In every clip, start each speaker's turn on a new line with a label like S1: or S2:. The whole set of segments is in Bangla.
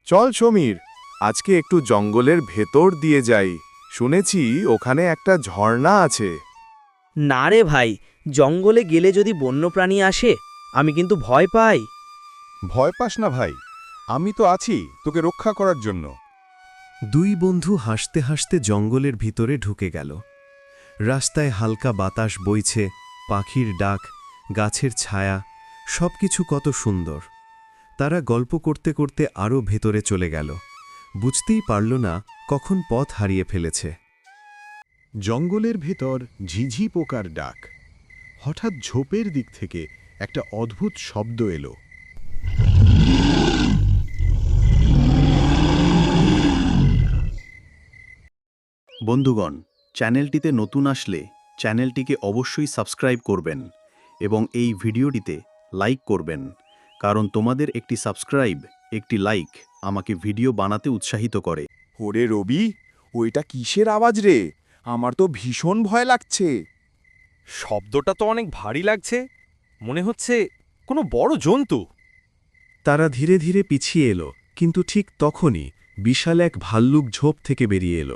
S1: চল সমীর, আজকে একটু জঙ্গলের ভেতর দিয়ে যাই। শুনেছি ওখানে একটা ঝর্ণা আছে।
S2: না রে ভাই, জঙ্গলে গেলে যদি বন্যপ্রাণী আসে, আমি কিন্তু ভয় পাই।
S3: ভয় পাস না ভাই, আমি তো আছি তোকে রক্ষা করার জন্য।
S4: দুই বন্ধু হাসতে হাসতে জঙ্গলের ভিতরে ঢুকে গেল। রাস্তায় হালকা বাতাস বইছে, পাখির ডাক, গাছের ছায়া, সবকিছু কত সুন্দর। তারা গল্প করতে করতে আরও ভেতরে চলে গেল। বুঝতেই পারল না কখন পথ হারিয়ে ফেলেছে।
S3: জঙ্গলের ভেতর ঝিঝি পোকার ডাক। হঠাৎ ঝোপের দিক থেকে একটা অদ্ভুত শব্দ এলো।
S5: বন্ধুগণ, চ্যানেলটিতে নতুন আসলে চ্যানেলটিকে অবশ্যই সাবস্ক্রাইব করবেন এবং এই ভিডিওটিতে লাইক করবেন, কারণ তোমাদের একটি সাবস্ক্রাইব, একটি লাইক আমাকে ভিডিও বানাতে উৎসাহিত করে।
S1: ওরে রবি, ওইটা কিসের আওয়াজ রে? আমার তো ভীষণ ভয় লাগছে।
S6: শব্দটা তো অনেক ভারী লাগছে, মনে হচ্ছে কোনো বড় জন্তু।
S4: তারা ধীরে ধীরে পিছিয়ে এলো, কিন্তু ঠিক তখনই বিশাল এক ভাল্লুক ঝোপ থেকে বেরিয়ে এলো।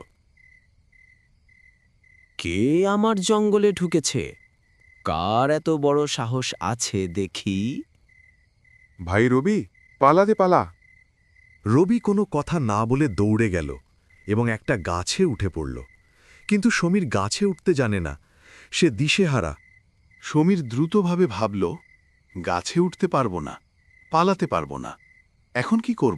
S7: কে আমার জঙ্গলে ঢুকেছে? কার এত বড় সাহস আছে দেখি?
S1: ভাই রবি, পালাতে পালা।
S4: রবি কোনো কথা না বলে দৌড়ে গেল এবং একটা গাছে উঠে পড়ল। কিন্তু সমীর গাছে উঠতে জানে না, সে দিশেহারা।
S5: সমীর দ্রুতভাবে ভাবল, গাছে উঠতে পারবো না, পালাতে পারবো না, এখন কি করব?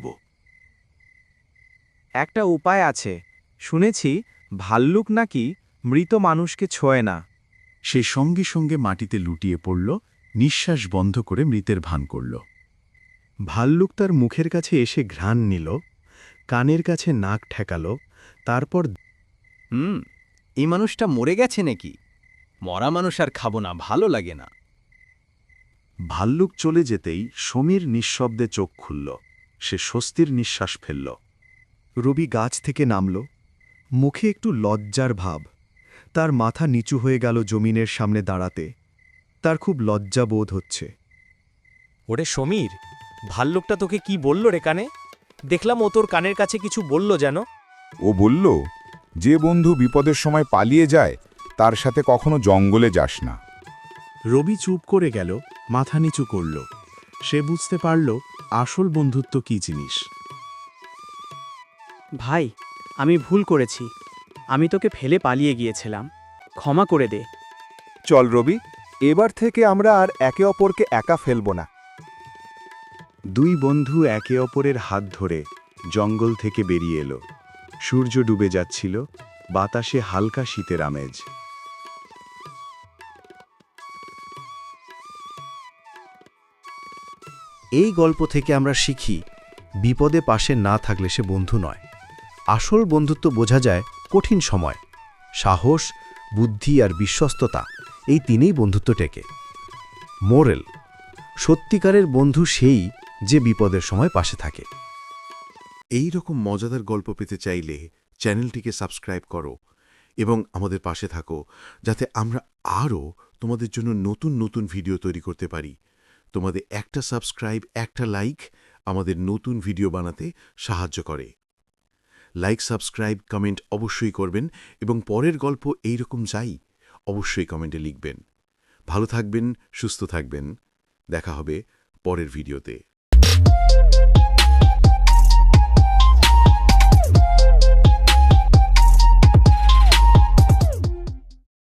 S8: একটা উপায় আছে, শুনেছি ভাল্লুক নাকি মৃত মানুষকে ছোঁয় না।
S5: সে সঙ্গে সঙ্গে মাটিতে লুটিয়ে পড়ল, নিঃশ্বাস বন্ধ করে মৃতের ভান করল।
S4: ভাল্লুক তার মুখের কাছে এসে ঘ্রাণ নিল, কানের কাছে নাক ঠেকাল, তারপর
S7: এই মানুষটা মরে গেছে নাকি? মরা মানুষ আর খাবো না, ভালো লাগে না।
S4: ভাল্লুক চলে যেতেই সমীর নিঃশব্দে চোখ খুলল। সে স্বস্তির নিঃশ্বাস ফেলল। রবি গাছ থেকে নামল, মুখে একটু লজ্জার ভাব। তার মাথা নিচু হয়ে গেল জমিনের সামনে দাঁড়াতে। তার খুব লজ্জা বোধ হচ্ছে।
S2: ওরে সমীর, ভাল্লুকটা তোকে কি বলল রে কানে? দেখলাম ও তোর কানের কাছে কিছু বলল যেন।
S3: ও বলল, যে বন্ধু বিপদের সময় পালিয়ে যায় তার সাথে কখনো জঙ্গলে যাস না।
S4: রবি চুপ করে গেল, মাথা নিচু করল। সে বুঝতে পারল আসল বন্ধুত্ব কী জিনিস।
S2: ভাই, আমি ভুল করেছি। আমি তোকে ফেলে পালিয়ে গিয়েছিলাম, ক্ষমা করে দে।
S1: চল রবি, এবার থেকে আমরা আর একে অপরকে একা ফেলব না।
S4: দুই বন্ধু একে অপরের হাত ধরে জঙ্গল থেকে বেরিয়ে এলো। সূর্য ডুবে যাচ্ছিল, বাতাসে হালকা শীতের আমেজ। এই গল্প থেকে আমরা শিখি, বিপদে পাশে না থাকলে সে বন্ধু নয়। আসল বন্ধুত্ব বোঝা যায় কঠিন সময়। সাহস, বুদ্ধি আর বিশ্বস্ততা, এই তিনেই বন্ধুত্ব টেকে। মোরেল: সত্যিকারের বন্ধু সেই যে বিপদের সময় পাশে থাকে।
S5: এই রকম মজাদার গল্প পেতে চাইলে চ্যানেলটিকে সাবস্ক্রাইব করো এবং আমাদের পাশে থাকো, যাতে আমরা আরও তোমাদের জন্য নতুন নতুন ভিডিও তৈরি করতে পারি। তোমাদের একটা সাবস্ক্রাইব, একটা লাইক আমাদের নতুন ভিডিও বানাতে সাহায্য করে। লাইক, সাবস্ক্রাইব, কমেন্ট অবশ্যই করবেন এবং পরের গল্প এইরকম চাই অবশ্যই কমেন্টে লিখবেন। ভালো থাকবেন, সুস্থ থাকবেন। দেখা হবে পরের ভিডিওতে।